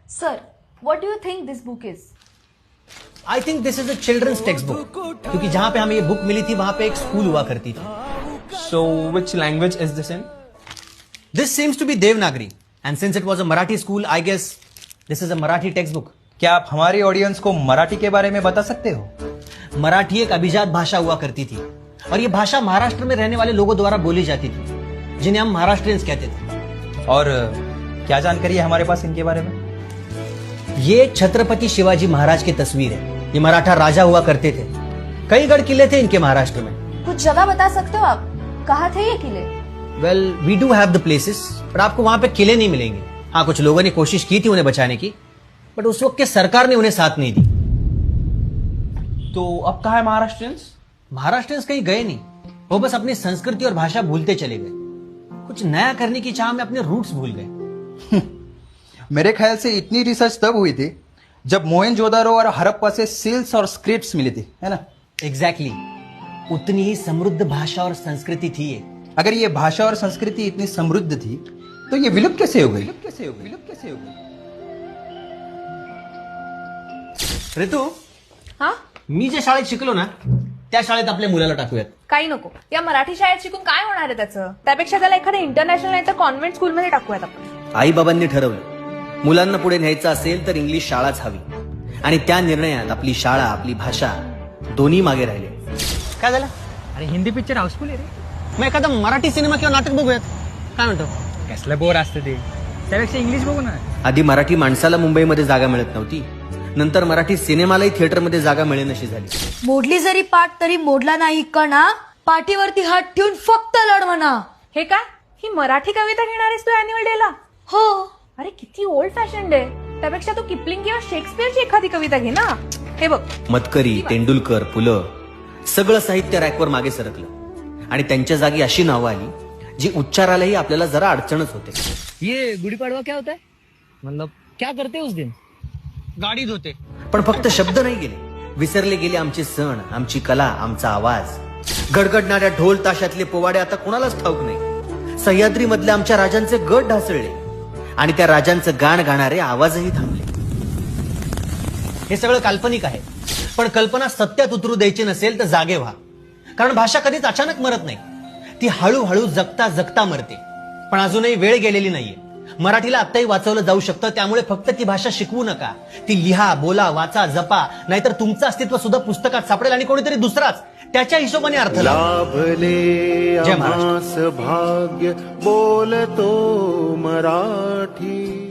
Sir, what do you think this book is? I think this is a children's textbook, क्योंकि जहां पे हमें ये book milli थी वहां पे एक स्कूल हुआ करती थी. So, which language is this in? This seems to be Devanagari and since it was a Marathi school I guess this is a Marathi textbook. क्या आप हमारी ऑडियंस को मराठी के बारे में बता सकते हो? मराठी एक अभिजात भाषा हुआ करती थी और ये भाषा महाराष्ट्र में रहने वाले लोगों द्वारा बोली जाती थी, जिन्हें हम महाराष्ट्रियंस कहते थे. और क्या जानकारी है हमारे पास इनके बारे में? ये छत्रपति शिवाजी महाराज की तस्वीर है. ये मराठा राजा हुआ करते थे. कई गढ़ किले थे इनके महाराष्ट्र में. कुछ जगह बता सकते हो आप? कहाँ थे ये किले? Well we do have the places, पर आपको वहां पे किले नहीं मिलेंगे. हाँ, कुछ लोगों ने कोशिश की थी उन्हें बचाने की, बट उस वक्त के सरकार ने उन्हें साथ नहीं दी. तो अब कहाँ है महाराष्ट्रियंस? महाराष्ट्रियंस कहीं गए नहीं, वो बस अपनी संस्कृति और भाषा भूलते चले गए. कुछ नया करने की चाह में अपने रूट्स भूल गए. मेरे ख्याल से इतनी रिसर्च तब हुई थी जब मोहनजोदारो और हड़प्पा से सील्स और स्क्रिप्ट्स मिली थी, है ना? एग्जैक्टली. उतनी ही समृद्ध भाषा और संस्कृति थी ये. अगर ये भाषा और संस्कृति इतनी समृद्ध थी तो ये विलुप्त कैसे हो गई? ऋतू, हा? मी ज्या शाळेत शिकलो ना त्या शाळेत आपल्या मुलाला टाकूयात. काही नको. या मराठी शाळेत शिकून काय होणार आहे त्याचं? त्यापेक्षा त्याला एखाद्या इंटरनॅशनल नाही तर कॉन्व्हेंट स्कूलमध्ये टाकूयात आपण. आई बाबांनी ठरवलं मुलांना पुढे न्यायचं असेल तर इंग्लिश शाळाच हवी, आणि त्या निर्णयात आपली शाळा आपली भाषा दोन्ही मागे राहिले. काय झालं? अरे हिंदी पिक्चर हाऊसफुल आहे रे. मग एखादा मराठी सिनेमा किंवा नाटक बघूयात. काय म्हणतो? कसलं बोर असतं ते, त्यापेक्षा इंग्लिश बघू ना. आधी मराठी माणसाला मुंबईमध्ये जागा मिळत नव्हती, नंतर मराठी सिनेमालाही थिएटरमध्ये जागा मिळेनशी झाली. मोडली जरी पाठ तरी मोडला नाही कणा, पाठीवरती हात ठेवून फक्त लढ म्हणा. हे काय? ही मराठी कविता घेणार आहेस तू अॅन्युअल डेला? हो. अरे किती ओल्ड फॅशन आहे. त्यापेक्षा तू किपलिंग किंवा शेक्सपियरची एखादी कविता घे ना. हे बघ, मतकरी, तेंडुलकर, पुलं सगळं साहित्य रॅकवर मागे सरकलं, आणि त्यांच्या जागी अशी नावं आली जी उच्चारालाही आपल्याला जरा अडचणच होते. ये गुड़ी पड़वा क्या होता है, मतलब क्या करते उस दिन? गाडी धुते. पण फक्त शब्द नाही गेले, विसरले गेले आमचे सण, आमची कला, आमचा आवाज. गडगडणाऱ्या ढोल ताशातले पोवाडे आता कोणालाच ठाऊक नाही. सह्याद्री मधल्या आमच्या राजांचे गट ढासळले, आणि त्या राजांचं गाण गाणारे आवाजही थांबले. हे सगळं काल्पनिक आहे, पण कल्पना सत्यात उतरू द्यायची नसेल तर जागे व्हा. कारण भाषा कधीच अचानक मरत नाही, ती हळूहळू जगता जगता मरते. पण अजूनही वेळ गेलेली नाहीये. मराठीला आत्ताही वाचवलं जाऊ शकतं. त्यामुळे फक्त ती भाषा शिकवू नका, ती लिहा, बोला, वाचा, जपा. नाहीतर तुमचं अस्तित्व सुद्धा पुस्तकात सापडेल आणि कोणीतरी दुसराच त्याच्या हिशोबाने अर्थ लाभले जय महाराष्ट्र. भाग्य बोलतो मराठी.